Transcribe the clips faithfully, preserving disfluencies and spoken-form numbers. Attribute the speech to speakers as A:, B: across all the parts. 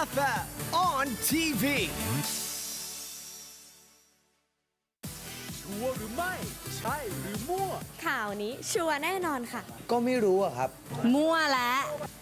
A: เอฟ เอ็ม on ที วี
B: ชัวร์หรือไม่ ใช่หรือมั่ว
C: ข่าวนี้ชัวร์แน่นอนค่ะ
D: ก็ไม่รู้อะครับ
C: มั่วแล้ว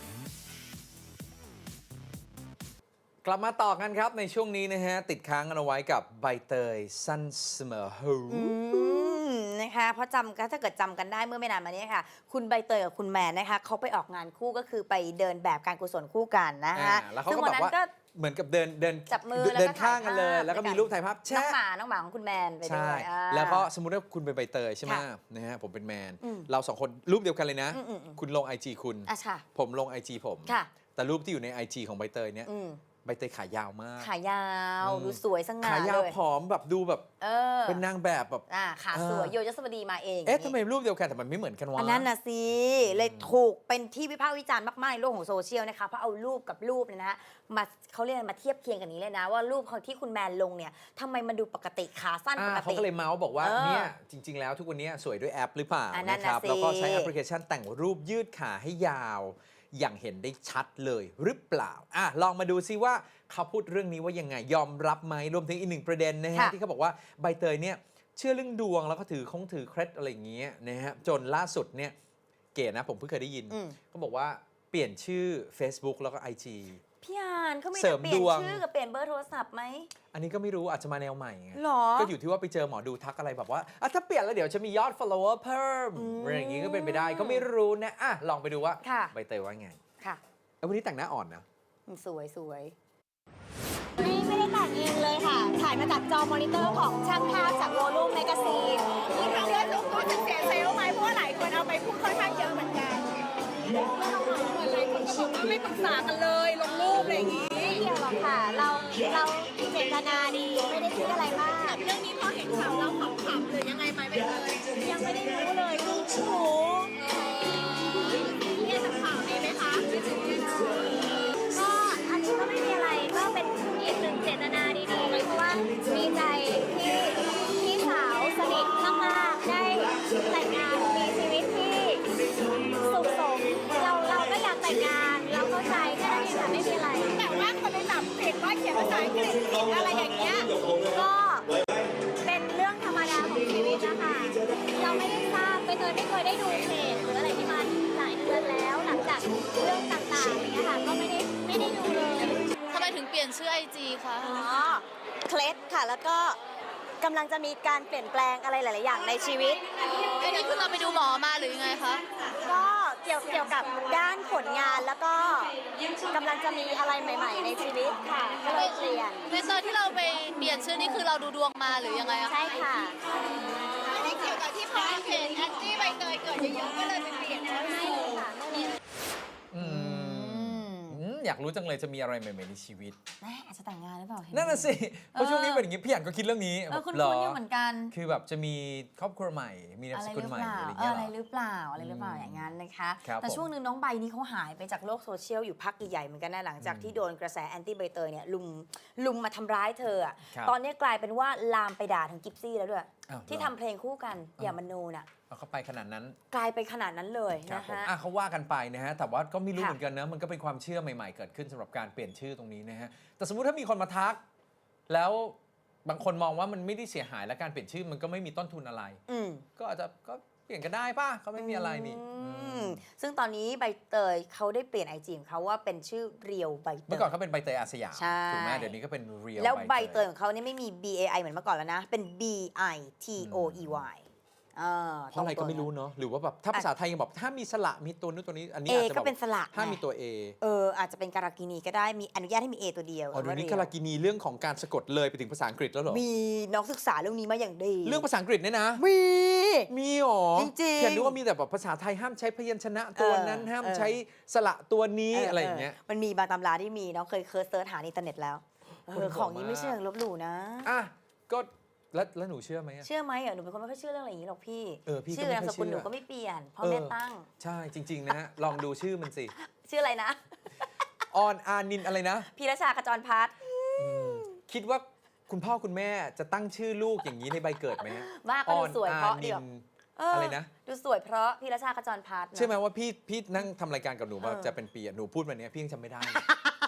E: กลับมาต่อกันครับในช่วงนี้นะฮะ ติดค้างกันเอาไว้กับใบเตยสั้นเสมอหู
F: อืมนะคะเพราะจำก็ถ้าเกิดจำกันได้เมื่อไม่นานมานี้ค่ะ คุณใบเตยกับคุณแมนนะคะเขาไปออกงานคู่ก็คือไปเดินแบบการกุศลคู่กันนะคะ
E: อ่าแล้วเขา
F: ซึ่ง
E: ก็
F: วัน
E: แบบ
F: นั้น
E: ว่า
F: ก็
E: เหมือนกับเดินเดิน
F: จับมือ
E: เดิน
F: แล้วก็
E: ข้างกันเลย
F: ถ่ายภาพ
E: แล้วก็มีรูปถ่ายภาพ
F: น้
E: แชะ
F: องหมาน้องหมาของคุณแมนไปด้
E: ใช่
F: วยอ่า
E: แล้วก็สมมุติว่าคุณเป็นใบเตยใช่ไหม
F: ค่ะ
E: นะฮะผมเป็นแมน
F: อืม
E: เราสองคนรูปเดียวกันเลยนะ
F: อืมอืมอืม
E: คุณลง ไอ จี คุณ
F: อ่ะค่ะ
E: ผมลง ไอ จี ผม
F: ค่ะ
E: แต่รูปที่อยู่ใน ไอ จี ของใบเตยเนี่ย
F: อืม
E: ใบเตยขายาวมาก
F: ขายาว
E: อืม
F: ดูสวยสง่า
E: ขายาว
F: เลย
E: ผอมแบบดูแบบ
F: เออ
E: เป็นนางแบบแบบ
F: อ่าขาสวย
E: อ่า
F: โยยศวดีมาเอง
E: เอ๊ะทำไมรูปเดียวกันแต่มันไม่เหมือนกันวะ
F: อันนั้นนะสิ เลยถูกเป็นที่วิพากษ์วิจารณ์มากๆในโลกของโซเชียลนะคะ เพราะเอารูปกับรูปเนี่ยนะฮะมาเขาเรียกมาเทียบเคียงกันนี้เลยนะ ว่ารูปของที่คุณแมนลงเนี่ยทำไมมันดูปกติขาสั้นป
E: อ่าก เขา
F: ติ
E: ก็เลยเมาส์บอกว่า
F: เออ
E: เนี่ยจริง ๆ แล้วทุกวันนี้สวยด้วยแอปหรือเปล่า
F: อันนั้น
E: นะค
F: น่ะ
E: รับ
F: สิ
E: แล้วก็ใช้แอปพลิเคชันแต่งรูปยืดขาให้ยาว อย่างเห็นได้ชัดเลยหรือเปล่าอ่ะลองมาดูซิว่าเขาพูดเรื่องนี้ว่ายังไงยอมรับไหมรวมถึงอีกหนึ่งประเด็นนะฮะ
F: ค่ะ
E: ที่เขาบอกว่าใบเตยเนี่ยเชื่อเรื่องดวงแล้วก็ถือคงถือเคล็ดอะไรอย่างเงี้ยนะฮะจนล่าสุดเนี่ยเก๋นะผมเพิ่งเคยได้ยิน
F: อืม
E: เขาบอกว่าเปลี่ยนชื่อ Facebook แล้วก็ ไอ จี
F: พี่อานเขาไม่
E: เสริ
F: ได้
E: ม
F: เปลี่ยน
E: ดวง
F: ชื่อกับเปลี่ยนเบอร์โทรศัพท์ไหม
E: อันนี้ก็ไม่รู้อาจจะมาแนวใหม่ไง
F: หรอ
E: ก็อยู่ที่ว่าไปเจอหมอดูทักอะไรแบบว่าอ่ะถ้าเปลี่ยนแล้วเดี๋ยวจะมียอด follower เพิ่ม
F: อืม
E: อะไรอย่างงี้ก็เป็นไปได้ก็ไม่รู้นะอ่ะลองไปดูว่า
F: ค่ะ
E: ใบเตยว่าไง
F: ค่ะ
E: เอ้ยวันนี้แต่งหน้าอ่อนนะ
F: สวยสวย
C: ไม่ไม่ได้แต่งเองเลยค่ะ ถ่ายมาจากจอมอนิเตอร์ของช่างภาพจากโวลูมแมกซีน
G: มีทางเลือกรู้รู้สึกเสียเซลล์ไหมเพราะว่าหลายคนเอาไปพูดค่อนข้างเยอะเหมือนกันเหมือนหลายคนก็บอกว่าไม่ปรึกษากันเลยลงรูปอะไรอย่างนี้
C: ไม่เกี่ยวหรอกค่ะ เราเราเจตนาดีไม่ได้คิดอะไรมาก
G: เรื่องนี้พอเห็นข่าวเราขำๆหรือยังไงไหมไปเลย
C: ยังไม่ได้รู้เลยเพิ่งรู้
G: เรียกจากข่าวนี้ไหมคะ
C: ก็อันนี้ก็ไม่มีอะไรก็เป็นอีกหนึ่งเจตนาดีๆเพราะว่าดีใจที่พี่สาวสนิทมากๆได้แต่งงานมีชีวิตที่สุขสมเราเราก็อยากแต่งงานเราเข้าใจแค่นั้นเองค่ะไม่มีอะไร
G: แต่ว่าคนไปจับผิดว่าเขียนภาษาอังกฤษผิดอะไรอย่างเงี้ย
C: ก็เป็นเรื่องธรรมดาของชีวิตนะคะเราไม่ได้ทราบไปเตยไม่เคยได้ดูเพจหรืออะไรที่มันหลายเดือนแล้ว หลังจากเรื่องต่างๆอย่างเงี้ยค่ะก็ไม่ได้ไม่ได้ดูเลย
H: ทำไมถึงเปลี่ยนชื่อไอจีคะ
C: อ๋อเคล็ดค่ะแล้วก็กำลังจะมีการเปลี่ยนแปลงอะไรหลาย ๆ อย่างในชีวิต
H: อันนี้คือเราไปดูหมอมาหรือยังไงคะ
C: ก็เกี่ยวเกี่ยวกับด้านผลงานแล้วก็กำลังจะมีอะไรใหม่ ๆ ในชีวิตค่ะก็เลยเปลี่ยน
H: ในตอนที่เราไปเปลี่ยนชื่อนี่คือเราดูดวงมาหรือยังไงอะ
C: ใช่ค่ะ
G: ไม่ได้เกี่ยวกับที่พอเพจแอนตี้ใบเตยเกิดเยอะๆก็เลยไปเปลี่ยนชื่อ
C: ไม่เลยค่ะไม่เลย
E: อืมอืมอยากรู้จังเลยจะมีอะไรใหม่ๆในชีวิต
F: แม่อาจจะแต่งงานหรือเปล่าเห็
E: นั่นน่ะสิเพราะช่วงนี้เป็นอย่างงี้พี่อันก็คิดเรื่องนี้
F: เออคุณ
E: หร
F: คุณอยู่เหมือนกัน
E: คือแบบจะมีครอบครัวใหม่ มีนาม
F: อะไร
E: ส
F: ห
E: กุล
F: รือ
E: ใหม่
F: เปล่า
E: อะไร
F: เอ
E: เงี้
F: อย อะไร
E: เหรอ
F: หรือเปล่าอะไรหรือเปล่าอย่างนั้นนะคะ
E: ครับ
F: แต่
E: ผม
F: ช่วงหนึ่งน้องใบนี้เขาหายไปจากโลกโซเชียลอยู่พักใหญ่ๆเหมือนกันนะหลังจากที่โดนกระแสแอนตี้ใบเตยเนี่ยลุมลุมมาทำร้ายเธออะ
E: ครับ
F: ตอนนี้กลายเป็นว่าลามไปด่าถึงกิฟซี่แล้วด้วย
E: อ้าว
F: ที่
E: เหรอ
F: ทำเพลงคู่กันอย่ามโนน่ะ
E: เอาเข้าไปขนาดนั้น
F: กลายไปขนาดนั้นเลย
E: ครับ
F: นะ
E: ผม
F: ฮะ
E: อ่ะเขาว่ากันไปนะฮะ แต่ว่าก็ไม่รู้
F: ค่ะ
E: เหมือนกันนะ มันก็เป็นความเชื่อใหม่ๆ เกิดขึ้นสำหรับการเปลี่ยนชื่อตรงนี้นะฮะ แต่สมมุติถ้ามีคนมาทัก แล้วบางคนมองว่ามันไม่ได้เสียหายและการเปลี่ยนชื่อมันก็ไม่มีต้นทุนอะไร
F: อืม
E: ก็อาจจะก็เปลี่ยนก็ได้ป่ะเขาไม่มีอะไรนี่
F: อื
E: อื
F: ม
E: ม
F: ซึ่งตอนนี้ใบเตยเขาได้เปลี่ยนไอจีของเขาว่าเป็นชื่อเรียวใบเต
E: เมื่อย ก่อนเขาเป็นใบเตยอาสยาม
F: ใช่
E: ถูกไหมเดี๋ยวนี้ก็เป็นเรียล
F: แล้วใบเตยของเขาเนี่ยไม่มี B A I เหมือนเมื่อก่อนแล้วนะ เป็น B I T O E Y เออ
E: เพราะอะไรก็ไม่รู้เนาะหรือว่าแบบถ้าภาษาไทยยังบอกถ้ามีสระมีตัวนู้นตัวนี้อันนี้
F: เอ
E: อาจจะ
F: ก็
E: บอก
F: เป็นสระ
E: ถ้ามี
F: ไง
E: ตัว A
F: เอออาจจะเป็นการากินีก็ได้มีอนุญาตให้มี A ตัวเดียว
E: อ๋อเดี๋ยวนี้
F: ว่
E: กาลากินีเรื่องของการสะกดเลยไปถึงภาษาอังกฤษแล้วเหรอ
F: มีน้องศึกษาเรื่องนี้มาอย่างดี
E: เรื่องภาษาอังกฤษเนี่ยนะ
F: มี
E: มีหรอ
F: จริงๆ
E: เพียงนึกว่ามีแต่แบบภาษาไทยห้ามใช้พยัญชนะตัวนั้น
F: เออ
E: ห้าม
F: เออ
E: ใช้สระตัวนี้อะไรอย่างเงี้ย
F: มันมีบางตำราที่มีน้องเคยเคิร์ชเซิร์ชหาในอินเทอร์เน็ตแล้วเอ
E: คน
F: อ
E: บอก
F: ของนี้
E: มา
F: ไม่เชื่อลบหลู่นะ
E: อ่ะก็แล้วแล้วหนูเชื่อไหมอะ
F: เชื่อไหมเหรอหนูเป็นคนไม่ค่อยเชื่อเรื่องอะไรอย่างนี้หรอกพี่
E: เออพี่ก็
F: ชื่อ
E: ไม่
F: นาม
E: ค่อย
F: สกุล
E: เชื่อ
F: หนูก็ไม่เปลี่ยนพ่อ
E: เออ
F: แม่ตั้ง
E: ใช่จริง ๆ นะฮะ ลองดูชื่อมันสิ
F: ชื่ออะไรนะ
E: ออนอานินอะไรนะ
F: พีรชากระจรพัฒน์
E: คิดว่าคุณพ่อคุณแม่จะตั้งชื่อลูกอย่างนี้ในใบเกิดไหมฮะ
F: ว่าก็ดูสวยเพราะ
E: ออน
F: เดียว
E: นิน
F: เ
E: อะไรนะ
F: ดูสวยเพราะพีรชากระจรพัฒน์นะ
E: เชื่อไหมว่าพี่พี่นั่งทำรายการกับหนูมา
F: เออ
E: จะเป็นปีอะหนูพูดมาเนี้ยพี่ยังจำไม่ได้เลย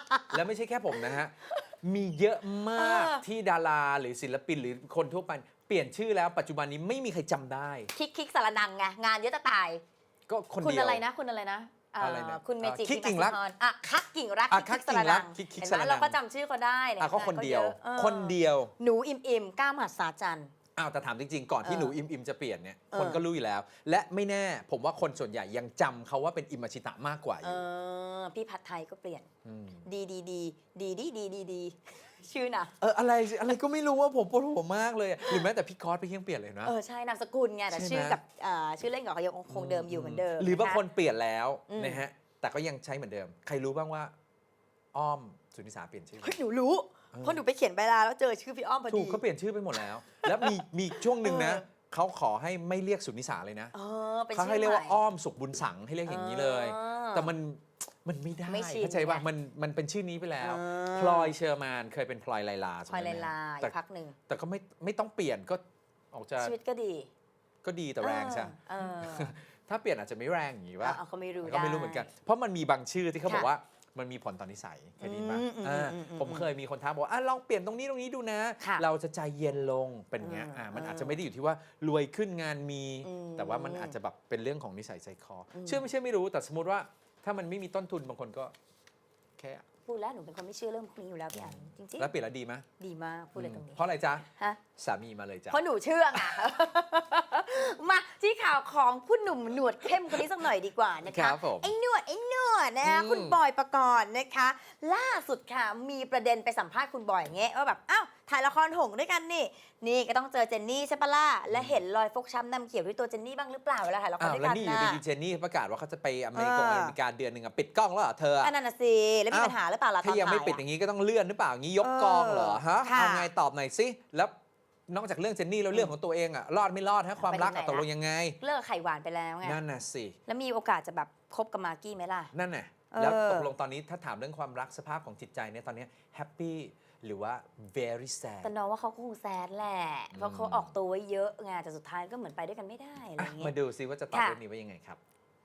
E: แล้วไม่ใช่แค่ผมนะฮะ มีเยอะมาก
F: เออ
E: ที่ดาราหรือศิลปินหรือคนทั่วไปเปลี่ยนชื่อแล้วปัจจุบันนี้ไม่มีใครจำได้
F: คิกคิกสารนังไงงานเยอะจะตาย
E: ก็คน
F: คุณ
E: เดียว
F: อะไรนะ คุณอะไรนะเ
E: อะไรนะ
F: คุณเมจิ
E: อ่าคิกกิ่งรัก
F: อ่ะคักกิ่งรัก
E: อ่ะคักกิ่งรัก
F: คิ
E: คิ
F: ก
E: ก
F: สา
E: สาร รนั
F: นั
E: ง
F: งเราก็จำชื่อเขาได้
E: อ่ะก็คนเดียว
F: ออ
E: คนเดียว
F: หนูอิมอิมก้าวมหัศจรรย์
E: อ้าวแต่ถามจริงๆ ก่อนที่
F: เออ
E: หนูอิมอิมจะเปลี่ยนเนี่ย
F: เออ
E: คนก็รู้อยู่แล้ว และไม่แน่ผมว่าคนส่วนใหญ่ยังจำเขาว่าเป็นอิมมาชิตะมากกว่าอ
F: เอยู่ อพี่ผัดไทยก็เปลี่ยน
E: ม
F: ดีดีดีดีดีดีดีดีชื่อน่ะ
E: เอออะไรอะไรก็ไม่รู้ว่าผมปวดหัวมากเลยอะหรือแม้แต่พี่คอสไปยังเปลี่ยนเลยนะ
F: เออใช่นามสกุลไงแต่
E: ใช่ไหม
F: ชื่อกับอ่าชื่อเล่นกับเขายังคงเดิมอยู่เหมือนเดิม
E: หรือบาง
F: ะะ
E: คนเปลี่ยนแล้ว
F: อืม
E: นะฮะแต่ก็ยังใช้เหมือนเดิม ใครรู้บ้างว่า อ้อมสุนิสาเปลี่ยนชื่อ
F: เฮ้ยหนูรู้เพราะหนูไปเขียนใบลาแล้วเจอชื่อพี่อ้อมพอ
E: ถู
F: ดี
E: กเขาเปลี่ยนชื่อไปหมดแล้ว แล้วมีมีช่วงหนึ่งนะ
F: เออ
E: เขาขอให้ไม่เรียกสุนิสาเลยนะ
F: เออเป็น
E: เขา
F: ชื่อ
E: ให้เรียกว่า
F: ใหม่
E: อ้อมสุขบุญสังให้เรียกอย่างนี้เลย
F: เออ
E: แต่มันมันไม่ได้
F: ไม่ชิน
E: เข้าใจว่า
F: ไง
E: มันมันเป็นชื่อนี้ไปแล้ว
F: เออ
E: พลอยเชอร์มานเคยเป็นพลอยไลลา
F: พลอย
E: จำได้
F: ลาย
E: ไหม
F: ลาย
E: แต่
F: พักหนึ่ง
E: แต่ก็ไม่ไม่ต้องเปลี่ยนก็ออกจะ
F: ชีวิตก็ดี
E: ก็ดีแต่แรงใช่
F: เออ
E: ถ้าเปลี่ยนอาจจะไม่แรงอย่างนี้ว่า
F: เอาเขาไม่รู้
E: ก็ไม่รู้เหมือนกัน เพราะมันมีบางชื่อที่เขา
F: ค่ะ
E: บอกว่ามันมีผลต่อนนิสัยเคยได้ยินปะ
F: อืมอืม
E: อ่า
F: อืมอืม
E: ผมเคยมีคนท้าบอกว่าอ่ะลองเปลี่ยนตรงนี้ตรงนี้ดูนะ
F: ค่ะ
E: เราจะใจเย็นลงเป็นอย่างเงี้ย
F: อืม
E: อ่ามัน
F: อืม
E: อาจจะไม่ได้อยู่ที่ว่ารวยขึ้นงานมี
F: อืม
E: แต่ว่ามันอาจจะแบบเป็นเรื่องของนิสัยใจคออ
F: ม
E: เชื่อไม่เชื่อไม่รู้แต่สมมติว่าถ้ามันไม่มีต้นทุนบางคนก็แค่
F: พูดแล้วหนูเป็นคนไม่เชื่อเรื่องพวกนี้อยู่แล้วพี่อันจริง
E: แล้วเปลี่ยนแล้วดีไหม
F: ๆดีมากพูดเลยตรงนี้
E: เพราะอะไรจ๊ะ
F: ฮะ
E: สามีมาเลยจ้ะ
F: เพราะหนูเชื่อไง มาที่ข่าวของผู้หนุ่มหนวดเข้มคนนี้สักหน่อยดีกว่านะ
E: ค
F: คะ
E: รับผม
F: ไอ้หนวดไอ้หนวดนะคะ
E: อืม
F: คุณบอยปกรณ์นะคะ ล่าสุดค่ะมีประเด็นไปสัมภาษณ์คุณบอยอย่างเงี้ยว่าแบบอ้าวถ่ายละครหงส์ด้วยกันนี่ นี่ก็ต้องเจอเจนนี่ใช่ปะล่ะและเห็นรอยฟกช้ำดำเขียวที่ตัวเจนนี่บ้างหรือเปล่าเวลาถ่ายละคร
E: อ้าว
F: ด้วย
E: แล้ว
F: กัน
E: นี่อยู่
F: นะ
E: ดีๆเจนนี่ประกาศว่าเขาจะไปอเมริกา
F: เออ
E: อเมริกาเดือนหนึ่งอะปิดกล้องแล้วเหรอเธออะ
F: อันนั้นน่ะสิแล้วมี
E: อ้าว
F: ปัญหาหรือเปล่าล่ะตอน
E: ถ้ายังไม่
F: ถ่าย
E: ปิด
F: อะ
E: อย่างนี้ก็ต้องเลื่อนหรือเปล่าอย่างนี้ยก
F: เออก
E: องเหรอฮะ
F: ค่ะ
E: เอาไงตอบหน่อยสิแล้วนอกจากเรื่องเจนนี่แล้วเรื่องของตัวเองอะรอดไม่รอดฮะความรักอะ
F: ไปถึงไหน
E: ตกลง
F: ละ
E: ยังไง
F: เลิกไข่หวานไปแล้วไง
E: นั่นน่ะสิ
F: แล้วมีโอกาสจะแบบคบกับมากกี้ไหมล่ะ
E: นั่นน่ะ
F: เออ
E: แล้วตกลงตอนนี้ถ้าถามเรื่องความรักสภาพของจิตใจเนี่ยตอนนี้แฮปปี้หรือว่า very sad
F: แต่น้องว่าเขาก็คงแซดแหละ เพราะเขาออกตัวไว้เยอะไงแต่สุดท้ายก็เหมือนไปด้วยกันไม่ได้อะไร
E: อ่ะ
F: อย่างเงี้
E: มาย ดูซิว่าจะตอบ
F: ค่ะ
E: เรื่องนี้ว่ายังไงครับ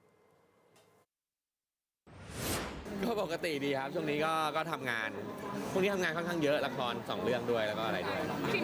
D: ก็ปกติดีครับ ช่วงนี้ก็ก็ทำงานพวกนี้ทำงานค่อนข้างเยอะละครสองเรื่องด้วยแล้วก็อะไรด้วย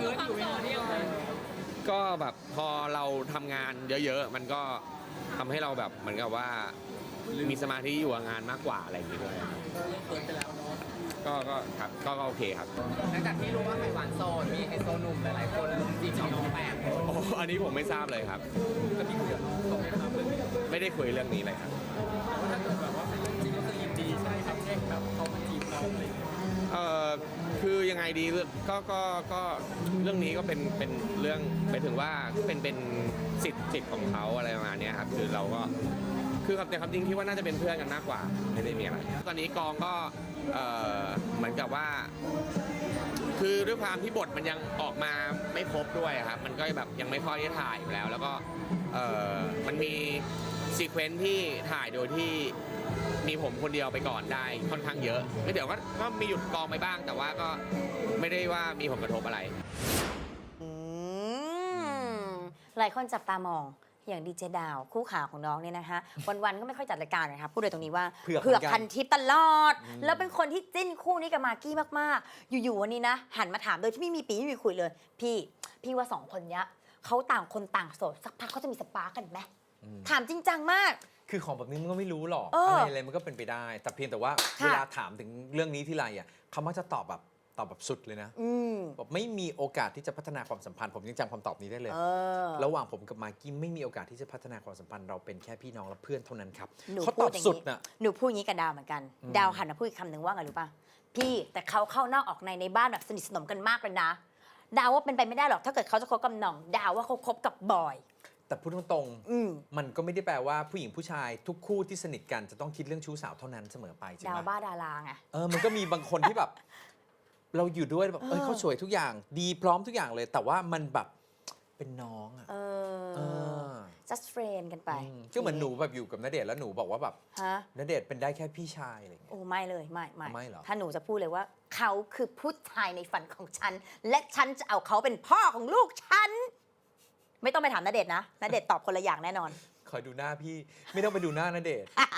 D: ก็แบบพอเราทำงานเยอะๆ มันก็ทำให้เราแบบเหมือนกับว่ามีสมาธิอยู่กับงานมากกว่าอะไรอย่างงี้ด้วยก็ก็ครับก็ก็โอเคครับ
B: หลังจากที่รู้ว่าไข่หวานโซนมีไฮโซหนุ่มหลายๆคนจีบน้องแปม
D: โอ้อันนี้ผมไม่ทราบเลยครับ
B: จะมีคุยกับน้องตรงไหมครับเรื่องนี้
D: ไม่ได้คุยเรื่องนี้เลยครับ
B: ถ้าเกิดแบบว่าเป็นเรื่องจริงก็คือยินดีใช่ครับแค่แบบเขามาจีบเราอะไรอย่างเงี้ย
D: เอ่อคือยังไงดีก็ก็ก็เรื่องนี้ก็เป็นเป็นเรื่องไปถึงว่าเป็นเป็นสิทธิ์สิทธิ์ของเขาอะไรประมาณเนี้ยครับคือเราก็คือครับแต่ความจริงที่ว่าน่าจะเป็นเพื่อนกันมากกว่าไม่ได้มีอะไรตอนนี้กองก็เอ่อเหมือนกับว่า คือด้วยความที่บทมันยังออกมาไม่ครบด้วยครับมันก็แบบยังไม่ค่อยได้ถ่ายอยู่แล้ว แล้วก็เอ่อมันมีซีเควนซ์ที่ถ่ายโดยที่มีผมคนเดียวไปก่อนได้ค่อนข้างเยอะไม่เดี๋ยวก็ก็มีหยุดกองไปบ้าง แต่ว่าก็ไม่ได้ว่ามีผลกระทบอะไร
F: อืมหลายคนจับตามองอย่างดีเจดาวคู่ขาของน้องเนี่ยนะคะ วันๆก็ไม่ค่อยจัดรายการนะคะพูดเลยตรงนี้ว่า
E: เผือก
F: เผือก
E: เหมือนกัน
F: พันทิปตลอด แล้วเป็นคนที่จิ้นคู่นี้กับมากกี้มากๆ อยู่ๆวันนี้นะ หันมาถามโดยที่ไม่มีปีไม่มีคุยเลย พี่ พี่ว่าสองคนเนี้ยเขาต่างคนต่างโสดสักพักเขาจะมีสปาร์กกันไหมถามจริงจังมาก
E: คือของแบบนี้มันก็ไม่รู้หรอก
F: เอออ
E: อะไรอะไรมันก็เป็นไปได้ แต่เพียงแต่ว่า
F: ค่ะ
E: เวลาถามถึงเรื่องนี้ที่ไรอ่ะเขามักจะตอบแบบตอบแบบสุดเลยนะ
F: อืม
E: บอกไม่มีโอกาสที่จะพัฒนาความสัมพันธ์ผมยังจำคำตอบนี้ได้เลย
F: เออ
E: ระหว่างผมกับมากกี้ไม่มีโอกาสที่จะพัฒนาความสัมพันธ์เราเป็นแค่พี่น้องและเพื่อนเท่านั้นครับ
F: หนู
E: เขา
F: พู
E: ต
F: ด
E: อบ
F: อย่าง
E: สุด
F: นี้
E: น่ะ
F: หนูพูดอย่างนี้กับดาวเหมือนกัน
E: อืม
F: ดาวหันมาพูดอีกคำหนึ่งว่าไงรู้ป่ะ พี่แต่เขาเข้านอกออกในในบ้านแบบสนิทสนมกันมากเลยนะ ดาวว่าเป็นไปไม่ได้หรอกถ้าเกิดเขาจะคบกับหน่อง ดาวว่าเขาคบกับบอย
E: แต่พูดตรง
F: อืม
E: ๆมันก็ไม่ได้แปลว่าผู้หญิงผู้ชายทุกคู่ที่สนิทกันจะต้องคิดเรื่องชู้สาวเท่านั้นเสมอไปใช่
F: ดา
E: ไห
F: ว
E: ม
F: บ้าดาราไง
E: เออมันก็มีบางคนที่แบบ เราอยู่ด้วยแบบเอ้ย
F: เออ
E: เขาสวยทุกอย่าง ดีพร้อมทุกอย่างเลย แต่ว่ามันแบบเป็นน้องอ่ะ
F: เอ
E: เอ
F: อ
E: อ
F: just friend กันไป
E: อืมก็เหมือนหนูแบบอยู่กับณเดชน์แล้วหนูบอกว่าแบบ
F: ฮะ
E: ณเดชน์เป็นได้แค่พี่ชายอะไรอย่างเงี้ย
F: โอ้ไม่เลยไม่ไม่
E: ไม่เหรอ
F: ถ้าหนูจะพูดเลยว่า เขาคือผู้ชายในฝันของฉัน และฉันจะเอาเขาเป็นพ่อของลูกฉัน ไม่ต้องไปถามณเดชน์นะณเดชน์ตอบคนละอย่างแน่นอน
E: คอยดูหน้าพี่ ไม่ต้องไปดูหน้าณเดชน์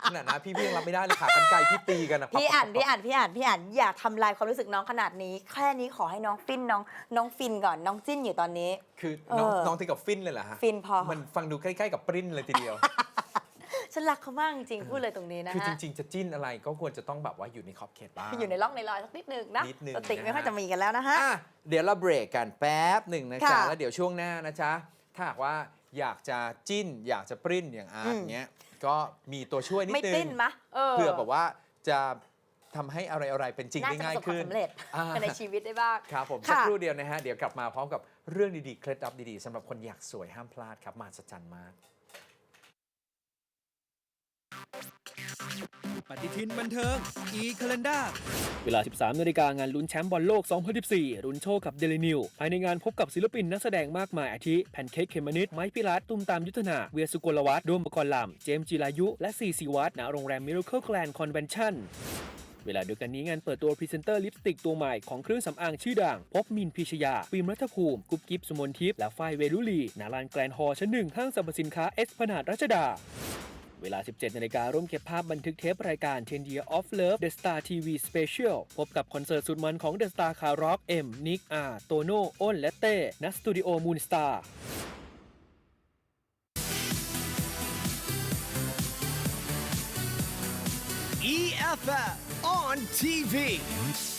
E: ขนาดนั้นพี่พี่ยังรับไม่ได้เลยค่ะกันไกลพี่ตีกันนะ
F: พี่อ่านพี่อ่านพี่อ่านพี่อ่านอย่าทำลายความรู้สึกน้องขนาดนี้ แค่นี้ขอให้น้องฟินน้องน้องฟินก่อนน้องจิ้นอยู่ตอนนี้
E: คือน้อง
F: เออ
E: น้องถึงกับฟินเลยเหรอฮะ
F: ฟินพอ
E: มันฟังดูใกล้ๆกับปริ้นเลยทีเดียว
F: ฉันรักเขามากจริงๆพูดเลยตรงนี้นะ
E: คือจ
F: ฮะ
E: ริง ๆ จะจิ้นอะไรก็ควรจะต้องแบบว่าอยู่ในขอบเขตบ้าง
F: อยู่ในร่องในรอยสักนิดนึงนะ
E: นิดนึง
F: สติ
E: นะฮะ
F: ไม่ค่อยจะมีกันแล้วนะฮะ
E: อ่ะเดี๋ยวเราเบรกกันแป๊บหนึ่งนะจ๊ะ
F: ค่ะ
E: แล้วเดี๋ยวช่วงหน้านะจ๊ะ ถ้าหากว่าอยากจะจิ้น อยากจะปริ้นอย่างอาร์ต
F: อืม
E: เงี้ย ก็มีตัวช่วยนิด
F: ไม่
E: นึ
F: ติ้
E: ง
F: นมะเออ
E: เพื่อแบบว่าจะทำให้อะไรๆเป็นจริง
F: น่า
E: ได้
F: จะป
E: ง่าย
F: ระสบควา
E: ขึ้
F: ม
E: น
F: สำเร็จ
E: อ่า
F: ในชีวิตได้บ้าง
E: ครับผม
F: ค่ะ
E: สักครู่เดียวนะฮะ เดี๋ยวกลับมาพร้อมกับเรื่องดีๆ เคล็ดลับดีๆสำหรับคนอยากสวยห้ามพลาดครับมหัศจรรย์มาก
A: ปฏิทินบันเทิง e-calendar
B: เวลา สิบสามนาฬิกางานลุ้นแชมป์บอลโลก สองพันสิบสี่ ลุ้นโชคกับเดลินิวภายในงานพบกับศิลปินนักแสดงมากมายอาทิ แพนเค้กเขมมะนิด ไม้พิรัตน์ตุ้มตามยุทธนา เวียสุกลวัฒน์โดมปกรณ์ลำ เจมส์จิรายุ และซีซีวัฒน์ณโรงแรม Miracle Grand Convention เวลาเดียวกันนี้งานเปิดตัวพรีเซนเตอร์ลิปสติกตัวใหม่ของเครื่องสำอางชื่อดังพบมินพิชยา ฟิล์มรัฐภูมิ กุ๊บกิ๊บสุมนทิพย์และฝ้ายเวลุลีณลานแกรนด์ฮอลล์ชั้นหนึ่งห้างสรรพสินค้าเอสพนาดรัชดา เวลา สิบเจ็ดนาฬิการ่วมเก็บภาพบันทึกเทปรายการ ten year of love The Star ที วี Special พบกับคอนเสิร์ตสุดมันของ The Star คาร์ร็อกเอ็มนิกอาร์โตโน่อ้นและเต้ณสตูดิโอมูนสตาร์
A: E F F on ที วี